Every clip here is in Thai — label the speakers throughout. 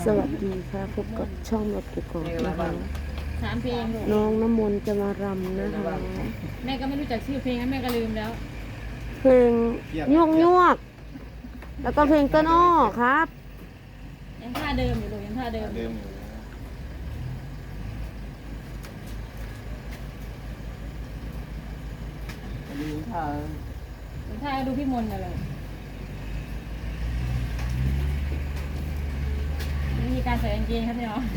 Speaker 1: สวัสดีค่ะพบกับช่องรถกุกกอกนะคะ
Speaker 2: 3 เพลงลูก
Speaker 1: น้องน้ำมนต์จะมารำนะคะ
Speaker 2: แม่ก็ไม่รู้จักชื่อเพลงนะแม่ก็ลืมแล้ว
Speaker 1: เพลงยวกแล้วก็เพลงต้นอ้อครับ
Speaker 2: ยังท่าเดิมอยู่ลูกยังท่าเดิม
Speaker 3: เดิมอยู่อันนี้ถ้า
Speaker 2: ยังท่าดูพี่มนต์น่ะเลยนี่มีการใส่กางเกงครับพี่น้อง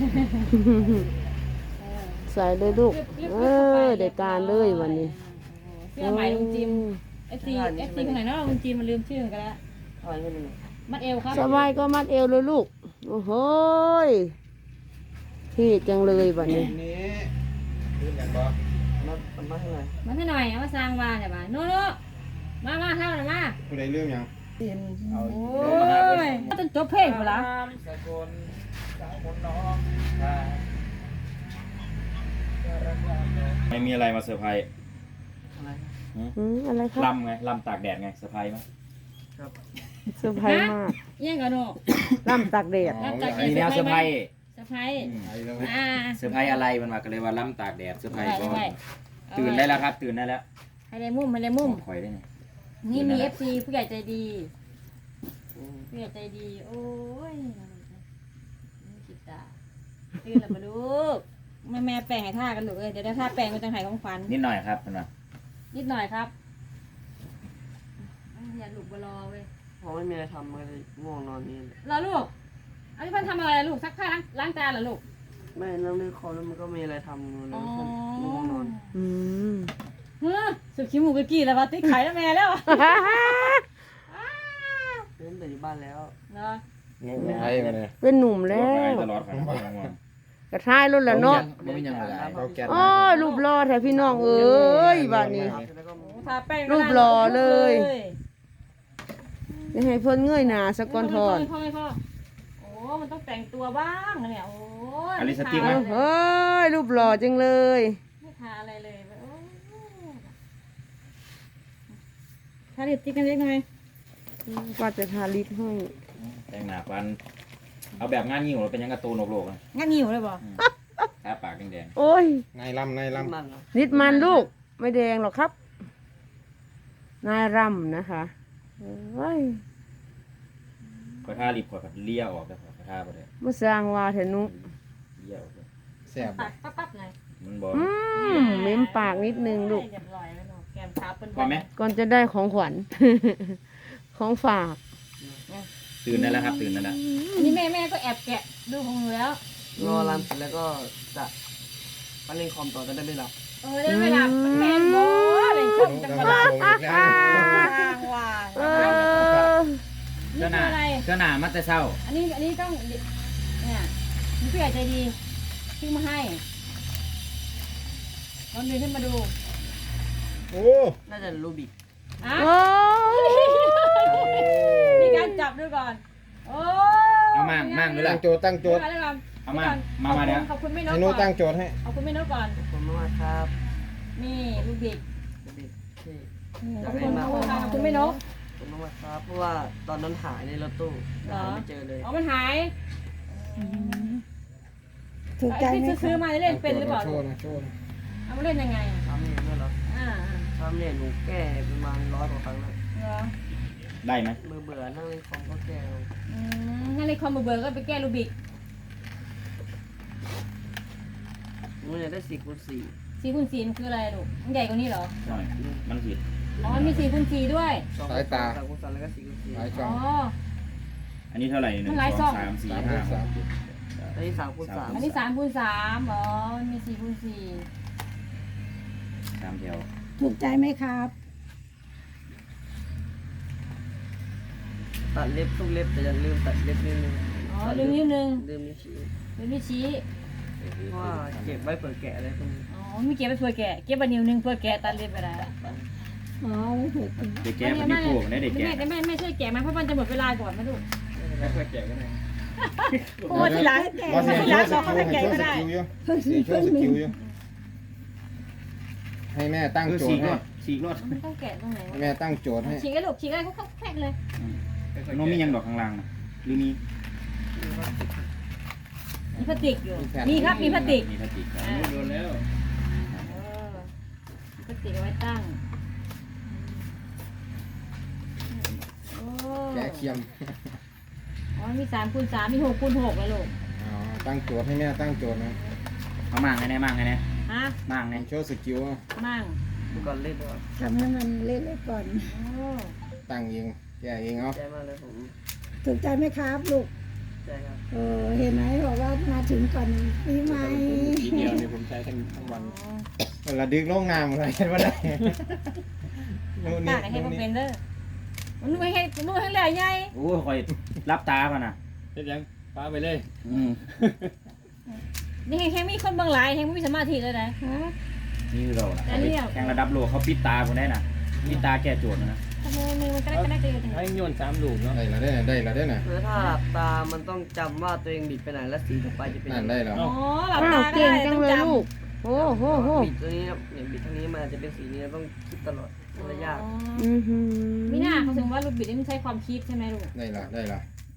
Speaker 1: ใส่เลยลูกได้การเลยวันนี้
Speaker 2: เสื้อใหม่ลุงจิม FC คนไหนเนาะลุงจิมมันลืมชื่อเหมือนกันแล้ว
Speaker 3: อะไรไม่รู้
Speaker 2: มัดเอวครับ
Speaker 1: สบายก็มัดเอวเลยลูกโอ้โหที่จังเลยวันนี้
Speaker 3: นี้ลืมอย่างบ่มาให้หน่อย
Speaker 2: มาให้หน่อยเอามาสร้างวาเนี่ยบ้านโน่มาเท่าหน่อยมา
Speaker 3: ผู้ใดลืมยังเอา
Speaker 2: โอ้ยต้องจบเพลงกูละ
Speaker 3: สกลสาวคนน้องไม่มีอะไรมาเซอร์ไพรส์อะไร
Speaker 1: อะไรครับ
Speaker 3: ลำไงลำตากแดดไงเซอร์ไพรส์ไหมครับ
Speaker 1: เซอร์ไพรส์มาก
Speaker 2: ยังกันโน่
Speaker 1: ล่ำตากแดด
Speaker 3: อันนี้แล้วเซอร์ไพรส์
Speaker 2: สะพายอ่า
Speaker 3: เซอร์ไพรส์อะไรมันมากันเลยว่าลำตากแดดเซอร์ไพรส์ก็
Speaker 2: ได้
Speaker 3: ตื่นได้แล้วครับตื่นได้แล้ว
Speaker 2: ให้ได้มุมให้ได้มุม
Speaker 3: คอยได้ไง
Speaker 2: นี่มี FC ผู้ใหญ่ใจดีผู้ใหญ่ใจดีโอ้ยคิดตาตื่นแล้วมาลูกแม่แปลงให้ท่ากันลูกเดี๋ยวได้ท่าแปลงเป็นจังไห้ของขวัญ
Speaker 3: นิดหน่อยครับมันมา
Speaker 2: นิดหน่อยครับอย่าหลุกบลอเว้ย
Speaker 4: เพราะไม่มีอะไรทำเลยง่วงนอนนี่
Speaker 2: รอลูกอันนี้เพิ่นทำอะไรลูกซักผ้าล้างจานเหรอลูก
Speaker 4: ไม่นั่งเล่นคอมแล้วมันก็มีอะไรทำอยู่เลยง่วงนอน
Speaker 1: อืม
Speaker 2: เฮ้อสุดขี้มูกกี้แล้วว่าติ๊กไข่แล้วแม่แล้ว
Speaker 4: เล่นแต่อยู่บ้านแล้ว
Speaker 2: เนาะ
Speaker 3: ไอ้มาเนี่ย
Speaker 1: เป็นหนุ่มแล้ว
Speaker 3: ตลอดครับ
Speaker 1: กระทายรุ่นละเนาะ
Speaker 3: ไม่มียังไงเขาแก่
Speaker 1: โอ้ยรูปรอแท้พี่น้องเอ้ยบ้านนี้
Speaker 4: แล้วก็
Speaker 2: ทาแป้ง
Speaker 1: รูปหล่อเลยจะให้เพิ่นเงยหน้าสะก่อนทอน
Speaker 2: พ่อโอ้มันต้องแต่งตัวบ้างนะเนี่ยโอ้ย
Speaker 3: อลิสติกไหม
Speaker 1: เฮ้ยรูปหล่อจังเลย
Speaker 2: ไม่ทาอะไรเลยโอ้ยทาลิปสติกกันเล็กหน่อย
Speaker 1: ว่าจะทาลิปให้
Speaker 3: แต่งหน้าฟันเอาแบบงานงิ้วเป็นยังกระตูนโลกๆนะ
Speaker 2: งั้นหิวเลยบ่
Speaker 3: ทาปากแดง
Speaker 1: โอ้ย
Speaker 3: นายลำนายล
Speaker 4: มันเหรอ
Speaker 1: นิดมันลูกไม่แดงหรอกครับ นายรำนะคะเฮ้ย
Speaker 3: ำขอทาลิปขอแบบเลี้ยออกแต่ขอทาไปเลย
Speaker 1: มาสร้างว่าเถอะนุ
Speaker 3: เลี้ยออกเลย
Speaker 5: แซ่บ
Speaker 2: ปักปั๊บเลย
Speaker 3: มันบอก
Speaker 1: เม้มปากนิดนึงลูก
Speaker 2: เรียบร้อยแล้วเนาะแก้มเท้าเป็น
Speaker 3: พอไหม
Speaker 1: ก่อนจะได้ของขวัญ ของฝาก
Speaker 3: ตื่นได้แล้วครับตื่นได้แล้ว
Speaker 2: อันนี้แม่ก็แอบแกะดูของหนูแล้ว
Speaker 4: รอรันเสร็จแล้วก็จะไปเล่นคอมต่อจะได้ไม่หลับ
Speaker 2: ได้เวลามันแม่นบ่อะไรคงจังหวะ
Speaker 5: โงอีกแล้ว
Speaker 2: ว่าง
Speaker 1: เออ
Speaker 3: เสื้
Speaker 2: นี่
Speaker 3: อหนา
Speaker 2: คืออะไร
Speaker 3: เสื้อหนามัดแต่เศร้า
Speaker 2: อันนี้ต้องเนี่ยมีผู้ใหญ่ใจดีซื้อมาให้ลองเดินขึ้นมาดู
Speaker 5: โอ้
Speaker 4: น่าจะรูบิก
Speaker 2: อ่ะ
Speaker 1: โอ้ย
Speaker 2: มีการจับด้วยก่อนโอ้
Speaker 3: เอามั่งด้วย
Speaker 5: ตั้
Speaker 3: ล่ะ
Speaker 5: งโจทย์ตั้งโจทย์
Speaker 2: แล้วก่อน
Speaker 3: เอามาเดี๋ยว
Speaker 2: ขอบคุณไม่นก
Speaker 5: ให้หนู
Speaker 2: ก่อ
Speaker 5: ตั้
Speaker 2: น
Speaker 5: งโจทย์ให้
Speaker 2: ขอบคุณไม่นกก่อน
Speaker 4: ขอบคุณมากครับ
Speaker 2: นี่ลูกบิก
Speaker 4: รูบิกที่
Speaker 2: ขอบคุณขอบคุณไม่นก
Speaker 4: ขอบคุณมากครับเพราะว่าตอนนั้นหายในรถตู้
Speaker 2: เหรอ
Speaker 4: หาไม่เจอเลย
Speaker 2: อ๋อมันหาย
Speaker 1: ถูกใจไหม
Speaker 2: ที่ซื้อมาเล่นเป็นหรือเปล่า
Speaker 5: โชว์นะโชว์นะ
Speaker 2: เอามาเล่นยังไง
Speaker 4: ทำเนี่ยด้วยเหรอ
Speaker 2: อ่า
Speaker 4: ทำเนี่ยหนูแก้ประมาณ100 กว่าครั้งแล้ว
Speaker 2: เหรอ
Speaker 3: ได้ไหม
Speaker 4: เบื่อนั่งเล่นคอมก็แก้เอา
Speaker 2: ถ้าในคอมเบอร์ก็ไปแก้ลูบิก
Speaker 4: หนูอยากได้4x4
Speaker 2: 4x4มันคืออะไรลูกมันใหญ่กว่านี้เหรอ
Speaker 3: หน่อยมันผิด
Speaker 2: อ๋อมันมี4x4ด้วย
Speaker 5: สายตา
Speaker 4: 3x3แล้วก็4x4
Speaker 5: หลายช่
Speaker 2: อ๋
Speaker 5: อ
Speaker 2: อ
Speaker 5: ง
Speaker 3: อันนี้เท่าไหร่หนึ่ง
Speaker 2: มันหลาย
Speaker 3: ส
Speaker 2: ช่
Speaker 3: อ
Speaker 2: อง ง
Speaker 3: สามสี่
Speaker 5: สาม
Speaker 3: ห้า
Speaker 5: สาม
Speaker 4: อันนี้3x3
Speaker 2: อันนี้3x3อ๋อมันมี4x4
Speaker 3: สามแถว
Speaker 1: ถูกใจไหมครับ
Speaker 4: ตัดเล็บทุกเล็บแต่อย่าลืมตัดเล็บนิดนึง
Speaker 2: อ๋อลืมนิดนึง
Speaker 4: ลืมนิ้วชี้
Speaker 2: ลืมนิ้วชี้
Speaker 4: เพราะว่าเก็บไว้เปิดแกะอะไรพวกนี้
Speaker 2: อ๋อมีเก็บไปเพื่อแกะเก็บบันนิ้วนึงเพื่อแกะตัดเล็บไปได้
Speaker 1: อ๋อถูก
Speaker 3: เด็กแก่มันมีพวกได้เด็กแก่
Speaker 2: ไม่ช่วยแกะมาเพราะมันจะหมดเวลาก่อนมาดู
Speaker 3: ไม่ค่อยแก่ก็ได้
Speaker 2: โอ้ทีหลังแกะ
Speaker 5: ว่าสิ
Speaker 2: ที
Speaker 5: โช
Speaker 2: หลัง
Speaker 5: ว์ส
Speaker 2: บอกเขา
Speaker 5: กิล
Speaker 2: ให้
Speaker 5: ให้
Speaker 2: แกะ
Speaker 5: โช
Speaker 2: ก็
Speaker 5: ว์ส
Speaker 2: ได้
Speaker 5: กิลอยู่โชว์สกิลอยู่ให้แม่ตั้ง
Speaker 3: คือ
Speaker 5: โจ
Speaker 3: ฉี
Speaker 5: ท
Speaker 3: ก
Speaker 5: ย์
Speaker 3: ร
Speaker 5: ให้
Speaker 3: ถฉีกรถ
Speaker 2: ไม่ต้องแกะตรงไหน
Speaker 5: ให้แม่ตั้งโจทย์ให้
Speaker 2: ฉีกได้ลูกฉีกได้เขาแขกเลย
Speaker 3: น้องมียังดอกข้างล่างนะหรือมี
Speaker 2: พลาสติกอยู่
Speaker 5: มีแผ่น
Speaker 2: มีครับมีพลาสติก
Speaker 3: มีพลาสติกครับ
Speaker 4: โดนแล้ว
Speaker 2: มีพลาสติกเอาไว้ตั้งโอ้
Speaker 5: แกะเคียม
Speaker 2: อ๋อมี3x3มี6x6แล้วลูก
Speaker 5: อ๋อตั้งโจทย์ให้แม่ตั้งโจทย์นะ
Speaker 3: เอามั่งไงเนี่ยมั่งไงเนี่ย
Speaker 2: ฮะ
Speaker 3: มั่งไง
Speaker 5: โชว์สกิลอ่ะ
Speaker 2: มั่ง
Speaker 4: เมื่อก่อนเล่นด้วย
Speaker 6: ทำให้มันเละๆก่อน
Speaker 2: โอ้
Speaker 5: ตั้งเองแกะเองเอา
Speaker 4: ใจมากเลยผม
Speaker 6: ถูกใจไหมครับลูก
Speaker 4: ใจครับ
Speaker 6: เห็นไหมบอกว่ามาถึงก่อนปีใหม่
Speaker 4: ทีเดียวเนี่ยผมใช้ทั้งวัน
Speaker 5: เวลาดึกลงน้ำอะไรกันวะได้นู่น
Speaker 2: ตา
Speaker 5: นี่
Speaker 2: กให้
Speaker 5: นู่
Speaker 2: มัน น
Speaker 5: นี่
Speaker 2: เป็นเด้อมันนุ่ยให้เหลือใหญ่
Speaker 3: โอ้ยคอยรับตาป่ะน่ะ
Speaker 4: เล่นยังป้าไปเลย
Speaker 3: อืม
Speaker 2: นี่แค่มีคนบางหลายแค่ไม่มีสมาธิเลยนะ
Speaker 3: นี่คือเราน่ะ
Speaker 2: แต่เนี่ย
Speaker 3: แข่งระดับโลกเขาปิดตาคนได้น่ะปิดตาแก้โจทย์นะ
Speaker 2: ทำไมมือมันกระแดกอยู่
Speaker 4: ให้โยน3ลูกเนาะ
Speaker 5: ได้แล้วได้ได้แล้วได้น่ะ
Speaker 4: คือถ้าหลับตามันต้องจำว่าตัวเองบิดไปไหนและสีต่อไปจะเป็น
Speaker 5: นั่นได้แล้ว
Speaker 2: อ๋อหลับ
Speaker 1: อ้า
Speaker 2: ตาว ก็
Speaker 1: เก่ง
Speaker 2: ได้
Speaker 1: จั
Speaker 2: ต้
Speaker 1: ง
Speaker 2: อง
Speaker 1: เลย
Speaker 2: จำ
Speaker 1: ลูกโอ้โหโห
Speaker 4: บิดตัวนี้เนี่ยบิดทางนี้มันจะเป็นสีนี้ต้องคิดตลอดมันเลยยาก
Speaker 1: อือหือ
Speaker 2: มีหน้าเขาถึงว่าลูกบิดนี่มันใช้ความคิดใช่ไหมลูก
Speaker 5: ได้ละได้ละ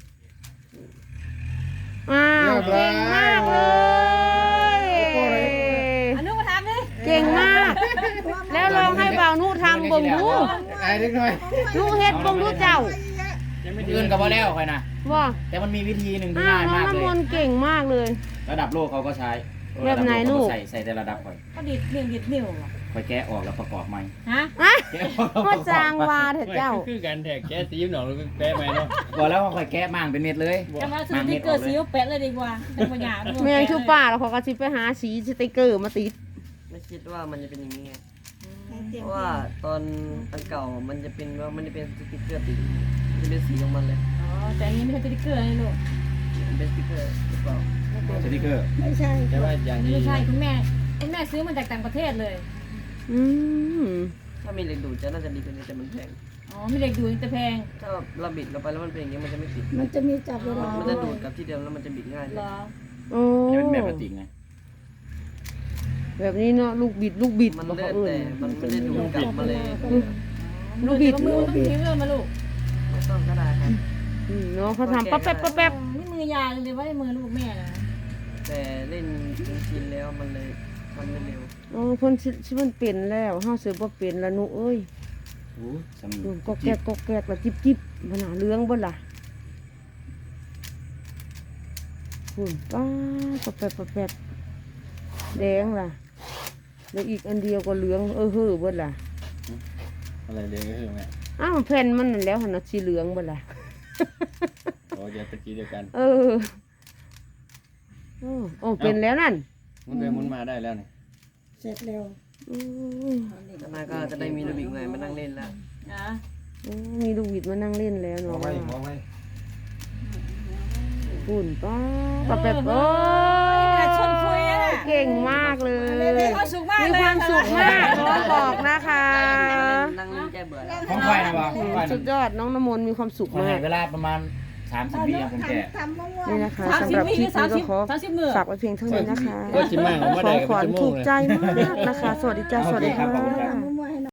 Speaker 1: อ้าวเก่งมากเลย
Speaker 2: อนุมาทำดิ
Speaker 1: เก่งมาก แล้วลองให้บ่าวนุทำบ่งดู
Speaker 5: ไอ้เล็กน้อย
Speaker 1: นุเฮ็ดบ่งดูเจ้า
Speaker 4: ยังไม่
Speaker 3: อื่นก็บ่แล้วคอยนะ
Speaker 1: ว่า
Speaker 3: แต่มันมีวิธีหนึ่งที่
Speaker 1: อ้าว
Speaker 3: ง่าย
Speaker 1: น้อง
Speaker 3: มากเล
Speaker 1: น้ำม
Speaker 3: ย
Speaker 1: นต์เก่งมากเลย
Speaker 3: ระดับโลกเขาก็ใช้
Speaker 1: แบบไหนลูก
Speaker 3: ใส่แต่ระดับคอย
Speaker 2: ก็ดิดนิ้วอ่ะ
Speaker 3: คอยแกะออกแล้วประกอบใหม่
Speaker 2: ฮะ
Speaker 1: อ่ะ
Speaker 3: แกะออกแล้วป
Speaker 1: ก็
Speaker 3: ระกอบ
Speaker 1: จางวาเถอะเจ้า
Speaker 4: คือการแทกแก้ตีมหนองหรือแป๊ะไหมเนาะ
Speaker 3: บอกแล้วว่าคอยแกะมั่งเป็นเม็ดเลย
Speaker 2: จะมาซื้อที่เกิดสีแปะเลยดีกว่าเป็นปัญญา
Speaker 1: แม่งชูป่าแล้วเขาก็สิไปหาสีสติกเกอร์มาติด
Speaker 4: ไม่คิดว่ามันจะเป็นอย่างนี้ไง
Speaker 6: เตรีย
Speaker 4: เพ
Speaker 6: ม
Speaker 4: ราะว่าตอนอันเก่ามันจะเป็นว่ามันจะเป็นสติ๊กเกอร์ติดมันจะเป็นสีของมันเลย
Speaker 2: อ๋อแต่อันนี้ไม่ใช่สติ๊กเกอร์นะลูก
Speaker 4: มันเป็นสติ๊กเกอร์หรือเปล่า
Speaker 3: สติ๊กเกอร์
Speaker 6: ไม่ใช่
Speaker 4: แต่ว่าอย่างนี้
Speaker 2: ไม่ใช่คุณแม่ซื้อมาจากต่างประเทศเลย
Speaker 1: อืม
Speaker 4: ถ้ามีเหล็กดูดจะน่าจะดีกว่านี้แต่มันแพง
Speaker 2: อ๋อมีเหล็กดูดแต่แพง
Speaker 4: ถ้าเราบิดลงไปแล้วมันเป็นอย่างนี้มันจะไม่ติด
Speaker 6: มันจะมีจับเวลา
Speaker 4: มันจะดูดกับที่เดิมแล้วมันจะบิดง่ายเล
Speaker 2: เหร
Speaker 4: ย
Speaker 2: อ
Speaker 1: โอ้
Speaker 3: มันเป็นแบบพลาสติกไง
Speaker 1: แบบนี้เนาะลูกบิดบอก
Speaker 4: มัน
Speaker 1: เขา
Speaker 4: เลื่อน
Speaker 1: เอื่
Speaker 4: แต่
Speaker 1: น
Speaker 4: มันไม่ได้ดูดกลับมาเลย
Speaker 1: ลูกบิด
Speaker 2: มือต้องทิ้งเลยมาลูก
Speaker 4: ไม่ต้องก็ได้ครับ
Speaker 1: เนาะเขาทำปั๊บแป๊บปั๊บแป๊บ
Speaker 2: นี่มือยาเลยว่ามือลูกแม่นะ
Speaker 4: แต่เล่นจนชินแล้วมันเลยทำไม่เร็ว
Speaker 1: โอ้คนชิมันเป็นแล้วเฮาเสือบ่เป็นละหนูเอ้ย
Speaker 3: โอ้สำ
Speaker 1: ดูก็แกกละจิบมันหาเรื่องบ่ล่ะหุ่นป้าแป๊บแดงล่ะแล้วอีกอันเดียวก็เหลืองเฮ้อเบิดล่ะ
Speaker 4: อะไรเลยก็คือไง
Speaker 1: อ้าวแผ่นมันนั่นแล้วหั่นน่ะสีเหลืองเบิดล่ะ
Speaker 4: โอ้ยตะกี้เดียวกัน
Speaker 1: เออโอ้เป็นแล้วนั่น
Speaker 4: มันไปมุนมาได้แล้วนี่
Speaker 6: เสร็จเร็ว
Speaker 1: อืม
Speaker 4: ข้างหน้าก็จะได้มีลูกบิกใหม่มานั่งเล่นแล้ว
Speaker 2: นะ
Speaker 1: มีลูกบิดมานั่งเล่นแล้ว
Speaker 5: มอง
Speaker 1: เนาะ
Speaker 5: ไว้มองไว้
Speaker 1: หุ่นป้าแป๊บโอ้
Speaker 2: ชวนคุยอ่ะ
Speaker 1: เก่งมากเลย
Speaker 2: มีความสุขมาก
Speaker 1: มี
Speaker 2: เลย
Speaker 1: ความสุขมากน้องบอกนะคะ
Speaker 4: นั่งเล่นแก้เบื่อแล้ว
Speaker 3: ของไฟนะวะของไฟ
Speaker 1: สุ
Speaker 3: นะ
Speaker 1: ดยอดน้องน้ำมนต์มีความสุข
Speaker 3: มัน
Speaker 1: มา
Speaker 3: ให้
Speaker 1: ก
Speaker 3: เวลาประมาณ30วิผมแกะ
Speaker 6: ทำม่วง
Speaker 1: นี่นะคะ
Speaker 2: 30
Speaker 1: สำหรับคลิปนี้ก็ขอ
Speaker 2: 30มื้อ
Speaker 1: ฝากไว้เพียงเท่านี้นะคะ
Speaker 4: ก็ชิมมากของว่า
Speaker 1: ข
Speaker 4: ได้
Speaker 1: อง
Speaker 4: กับ
Speaker 1: ขวัญ
Speaker 4: ชั่วโม
Speaker 1: ถู
Speaker 4: ง
Speaker 1: ก
Speaker 4: เลย
Speaker 1: ใจมากนะคะ สวัสดีจ้าสวัสดีค่ะ
Speaker 6: ๆม่วงๆให้